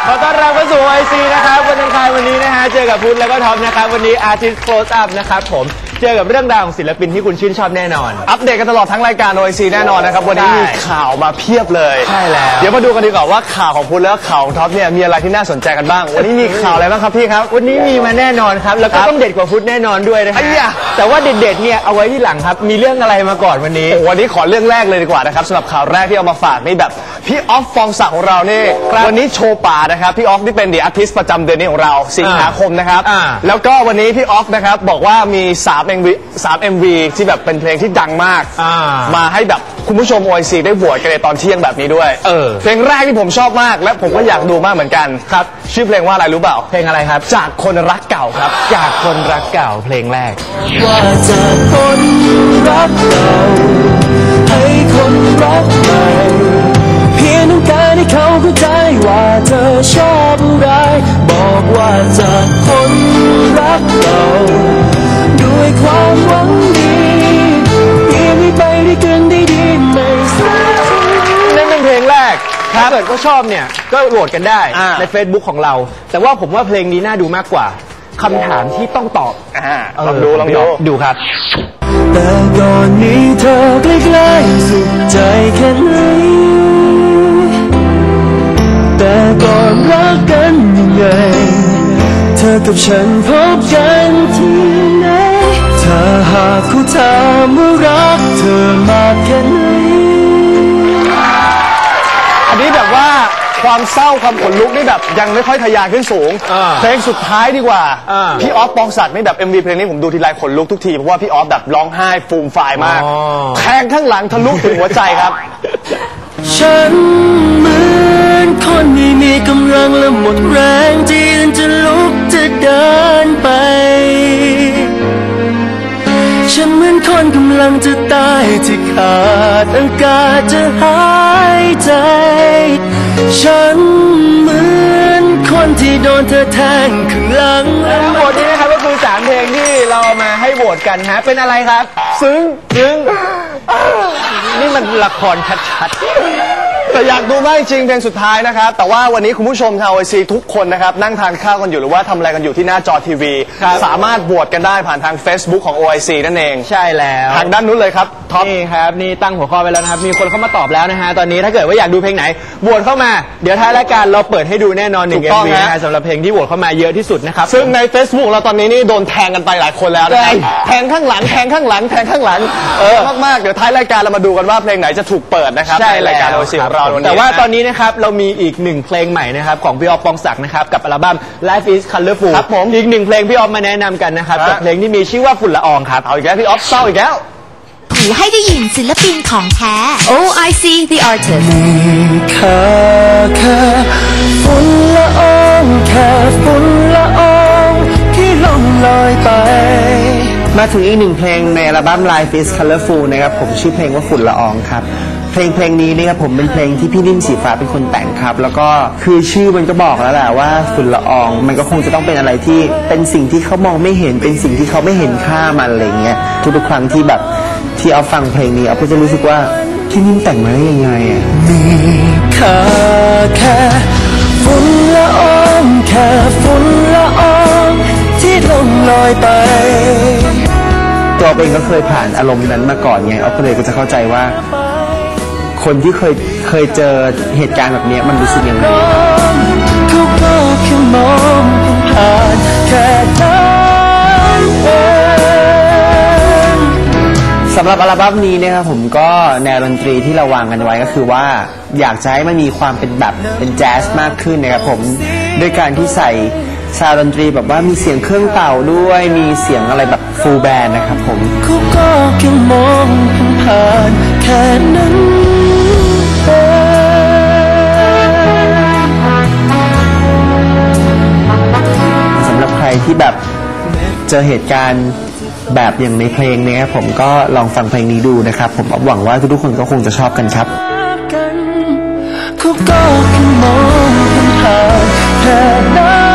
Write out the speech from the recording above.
ขอต้อนรับเข้าสู่ OIC นะครับวันอังคารวันนี้นะฮะเจอกับพุทธแล้วก็ท็อปนะครับวันนี้ Artist Close Up นะครับผมเจอกับเรื่องราวของศิลปินที่คุณชื่นชอบแน่นอนอัปเดตกันตลอดทั้งรายการ OIC แน่นอนนะครับวันนี้มีข่าวมาเพียบเลยใช่แล้วเดี๋ยวมาดูกันดีกว่าว่าข่าวของพุทธแล้วข่าวของท็อปเนี่ยมีอะไรที่น่าสนใจกันบ้างวันนี้มีข่าวอะไรบ้างครับพี่ครับวันนี้มีมาแน่นอนครับแล้วก็ต้องเด็ดกว่าพุทธแน่นอนด้วยนะครับแต่ว่าเด็ดๆเนี่ยเอาไว้ที่หลังครับมีเรื่องอะไรมาก่อนวันนี้วันนี้ขอเรื่องแรกเลยดีกว่านะครับสำหรับข่าวแรกที่เอามาฝากนี่แบบพี่ออฟปองศักดิ์ของเรานี่วันนี้โชว์ป่านะครับพี่ออฟที่เป็นThe Artist ประจำเดือนนี้ของเราสิงหาคมนะครับแล้วก็วันนี้พี่ออฟนะครับบอกว่ามี3 MV ที่แบบเป็นเพลงที่ดังมากมาให้แบบคุณผู้ชม OIC ได้โหวตกันในตอนเที่ยงแบบนี้ด้วยเพลงแรกที่ผมชอบมากและผมก็อยากดูมากเหมือนกันครับชื่อเพลงว่าอะไรรู้เปล่าเพลงอะไรครับจากคนรักเก่าครับจากคนรักเก่าเพลงแรกว่าจากคนรักเก่าให้คนรักใหม่เพียงต้องการให้เขาเข้าใจว่าเธอชอบอะไรบอกว่าจากคนรักเก่าด้วยความหวังดีเพียงให้ไปด้วยกันได้ดีไม่สายนั่นเป็นเพลงแรกถ้าเกิดก็ชอบเนี่ยก็โหวตกันได้ใน Facebook ของเราแต่ว่าผมว่าเพลงนี้น่าดูมากกว่าคำถามที่ต้องตอบลองดูครับแต่ก่อนนี้เธอใกล้ๆสุขใจแค่ไหนแต่ก่อนรักกันยังไงเธอกับฉันพบกันที่ไหนถ้าหากเขาถามว่ารักเธอมากแค่ไหนอันนี้แบบว่าความเศร้าความขนลุกนี่แบบยังไม่ค่อยทะยานขึ้นสูงเพลงสุดท้ายดีกว่าพี่ออฟปองศักดิ์นี่แบบ MV เพลงนี้ผมดูทีไรขนลุกทุกทีเพราะว่าพี่ออฟแบบร้องไห้ฟูมฟายมากแทงข้างหลังทะลุถึงหัวใจครับฉันเหมือนคนไม่มีกำลังและหมดแรงที่จะลุกจะเดินไปฉันเหมือนคนกำลังจะตายที่ขาดอากาศจะหายใจฉันเหมือนคนที่โดนเธอแทงข้างหลังทั้งหมดนี้นะครับก็คือ3เพลงที่เรามาให้โหวตกันฮะเป็นอะไรครับซึ้งนี่มันละครชัดๆแต่อยากดูมากจริงเพลงสุดท้ายนะครับแต่ว่าวันนี้คุณผู้ชมชาว OIC ทุกคนนะครับนั่งทานข้าวกันอยู่หรือว่าทำอะไรกันอยู่ที่หน้าจอทีวีสามารถโหวตกันได้ผ่านทาง Facebook ของ OIC นั่นเองใช่แล้วทางด้านนู้นเลยครับท็อปนี่ครับนี่ตั้งหัวข้อไปแล้วนะครับมีคนเข้ามาตอบแล้วนะฮะตอนนี้ถ้าเกิดว่าอยากดูเพลงไหนโหวตเข้ามาเดี๋ยวท้ายรายการเราเปิดให้ดูแน่นอน1 MV นะฮะสำหรับเพลงที่โหวตเข้ามาเยอะที่สุดนะครับซึ่งใน Facebook เราตอนนี้นี่โดนแทงกันไปหลายคนแล้วนะครับแทงข้างหลังแทงข้างหลังแทงข้างหลังมากๆเดี๋ยวท้ายรายการเรามาดูกันว่าเพลงไหนจะถูกเปิดนะครับในรายการ OIC ของเราแต่ว่าตอนนี้นะครับเรามีอีก1เพลงใหม่นะครับของพี่ออฟปองศักดิ์นะครับกับอัลบั้ม Life is Colorful ครับผมอีก1เพลงพี่ออฟมาแนะนำกันนะครับกับเพลงที่มีชื่อว่าฝุ่นละอองครับเอาอีกแล้วพี่ออฟเศร้าอีกแล้วหูให้ได้ยินศิลปินของแท้ OIC The Artist มีค่าแค่ฝุ่นละอองแค่ฝุ่นละอองที่ล่องลอยไปมาถึงอีก1เพลงในอัลบั้ม Life is Colorful นะครับผมชื่อเพลงว่าฝุ่นละอองครับเพลงนี้นี่ครับผมเป็นเพลงที่พี่นิ่มสีฟ้าเป็นคนแต่งครับแล้วก็คือชื่อมันก็บอกแล้วแหละว่าฝุ่นละอองมันก็คงจะต้องเป็นอะไรที่เป็นสิ่งที่เขามองไม่เห็นเป็นสิ่งที่เขาไม่เห็นค่ามันอะไรเงี้ยทุกครั้งที่แบบที่เอาฟังเพลงนี้เอาก็จะรู้สึกว่าพี่นิ่มแต่งมาได้ยังไงอ่ะมีค่าแค่ฝุ่นละอองแค่ฝุ่นละอองที่ล่องลอยไปตัวเองก็เคยผ่านอารมณ์นั้นมาก่อนไงเอาก็เลยก็จะเข้าใจว่าคนที่เคยเจอเหตุการณ์แบบนี้มันรู้สึกยังไงเขาก็แค่มองผ่านแค่นั้นเองสำหรับอัลบั้มนี้นะครับผมก็แนวดนตรีที่เราวางกันไว้ก็คือว่าอยากจะให้มันมีความเป็นแบบเป็นแจ๊สมากขึ้นนะครับผมด้วยการที่ใส่ซาวด์ดนตรีแบบว่ามีเสียงเครื่องเป่าด้วยมีเสียงอะไรแบบฟูลแบนด์นะครับผมเขาก็แค่มองผ่านแค่นั้นสำหรับใครที่แบบเจอเหตุการณ์แบบอย่างในเพลงนี้ผมก็ลองฟังเพลงนี้ดูนะครับผมหวังว่าทุกคนก็คงจะชอบกันครับเขาก็แค่มองผ่านแค่นั้น